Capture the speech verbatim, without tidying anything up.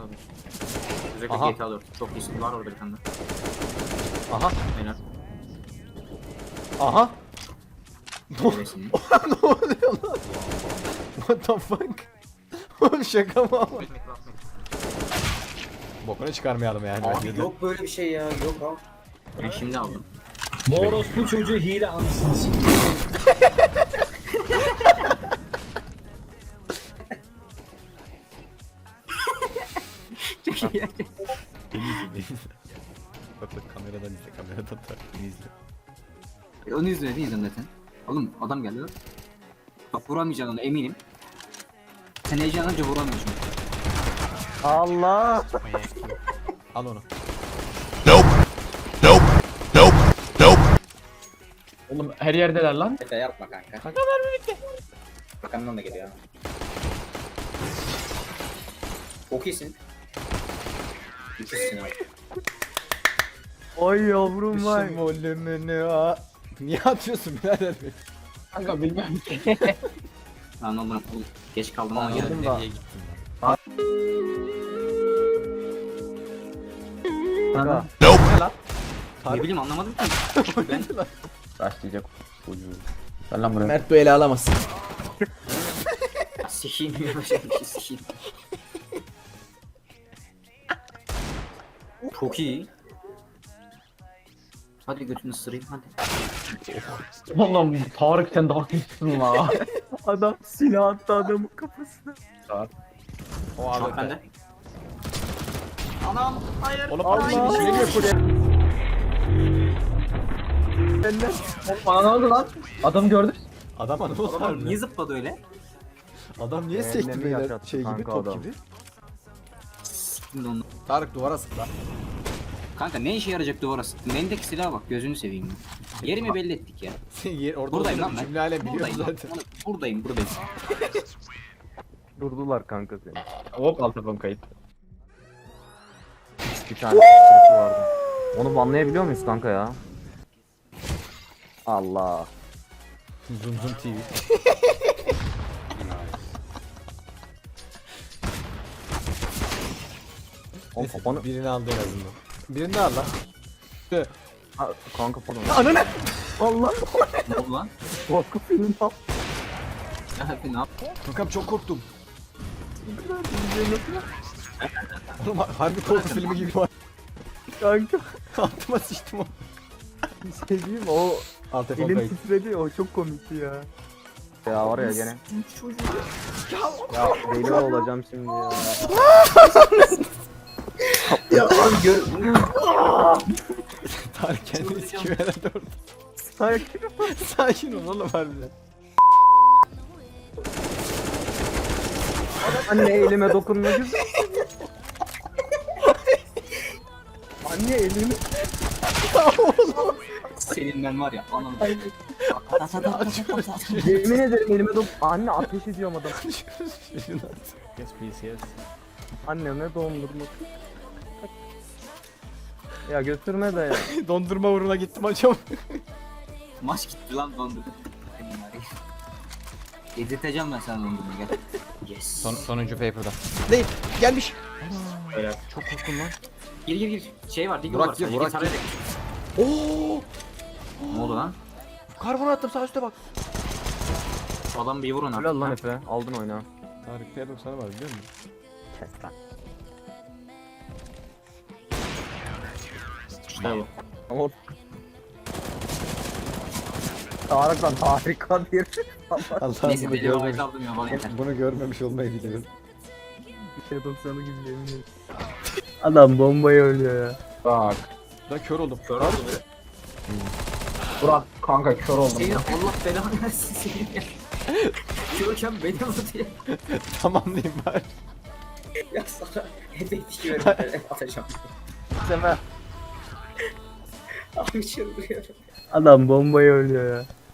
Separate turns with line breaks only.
abi. Özellikle
Aha.
G T A dört. Çok iyisin. Var orada bir tane.
Aha.
Aynen.
Aha.
Neresini?
Ne oluyor lan? What the fuck? Oğlum şaka mı ama? Bokunu çıkarmayalım yani.
Abi yok böyle bir şey ya. Yok abi.
Ben şimdi aldım.
Moros bu çocuğu hile anasını sikeyim.
Çok iyi.
Beni izle, beni izle. Bak bak kameradan izle, kameradan da beni izle.
E, onu izle, ne izledin zaten? Oğlum adam geldi lan. Bak vuramayacaksın onu eminim. Sen heyecanlanınca vuramıyorsun.
Allah! Al onu.
Oğlum her yerdeler lan.
Efe yapma kanka.
Kanka ver birlikte.
Arkamdan da geliyor. Çok iyisin. İkisin abi.
Oy yavrum vay. Düşün volümünü ha. Niye atıyorsun birader beni?
Kanka bilmem ki.
Lan oğlum oğlum, geç kaldım ama
Geldim
geldim.
da. Nereye gittin lan? Kanka. Ne lan?
Ne bileyim anlamadım ki. Ben
Başlayacak çocuğu. Gel lan buraya.
Mert bu ele alamazsın.
sikiyim ya şey sikiyim. Çok iyi. Hadi götünü ısırayım hadi.
Oğlum Tarık sen daha iyisin la.
Adam silah attı adamın kafasına. O
Şu an bende. Anam hayır.
Oğlum Allah. Şimdi ne diyor buraya? Benden.
Oğlum bana ne oldu lan? Adam gördü.
Adam ne oldu
Adam
harbiden?
niye zıpladı öyle?
Adam niye
Ellerini
sekti böyle
yaşattı
şey gibi
kanka
top
adam.
gibi?
Şimdi onu.
Tarık duvara sık lan.
Kanka ne işe yarayacak duvara sıktın? Elindeki silaha bak gözünü seveyim ya. Yerimi belli ettik ya.
Sen yer orada
Buradayım lan
olduğunu
ben.
cümle alem biliyor
Buradayım,
zaten.
lan. buradayım buradayım.
Durdular kanka seni.
Hop alt tarafım kayıp.
Bir tane sürüsü vardı. Onu banlayabiliyor muyuz kanka ya? Allah.
Zoom zoom T V.
Oğlum
Neyse,
kafanı...
birini aldı en azından. Birini de al lan.
Ha, kanka pardon.
Ananı!
Allah.
Ne oldu lan?
Korku filmi al.
Ya Happy ne yaptın?
Kankam çok korktum. Oğlum harbi korku filmi gibi var.
Kanka.
Altıma sıçtım o.
Bir şey diyeyim mi? O
Alt telefon
elim
kayıt.
titredi, o çok komikti ya. Ya var ya gene. Ya deli olacağım şimdi ya.
Ya abi gör.
Tarık kendini sikiyor herhalde orada.
Sakin.
Sakin ol oğlum harbiden.
Anne elime dokunma güzel. Anne elimi.
Senin ben var ya anam.
Yemin ederim elime dokun. Anne ateş ediyorum adam.
Yes please yes.
Anneme dondurma. Ya götürme de ya.
Dondurma uğruna gittim hocam.
Maç gitti lan dondu. Yedirteceğim ben sana dondurmayı gel. Yes.
Son, sonuncu paper'da. Değil gelmiş.
Öyle.
Çok korktum lan.
Gir gir gir. Şey var, Diggle
Burak
var.
gir,
sadece.
Burak
Git araya
gir.
da-
Oo!
Ne oldu lan?
Karbon attım sağ üstte bak.
Adam bir vurun
Helal
artık.
lan Efe. Aldın oyna.
Tarık P doksanı var biliyor musun?
Kes lan.
İşte bu.
Ama Tarık lan harika bir.
Allah'ım
Neyse
bunu,
deli
görmemiş,
havayı aldım ya bana yeter.
bunu görmemiş olmayı diliyorum.
şey doksanı gibi yemin ederim. Adam bombayı ölüyor ya.
Bak.
Ben kör oldum.
Kör oldu be.
Burak kanka kör oldum.
Senin Allah belanı versin senin ya. Körken beni vurdu ya.
Tamamlayayım bari.
Ya sana hedef iki verin atacağım.
Sefer.
Abi çıldırıyorum.
Adam bombayı ölüyor ya.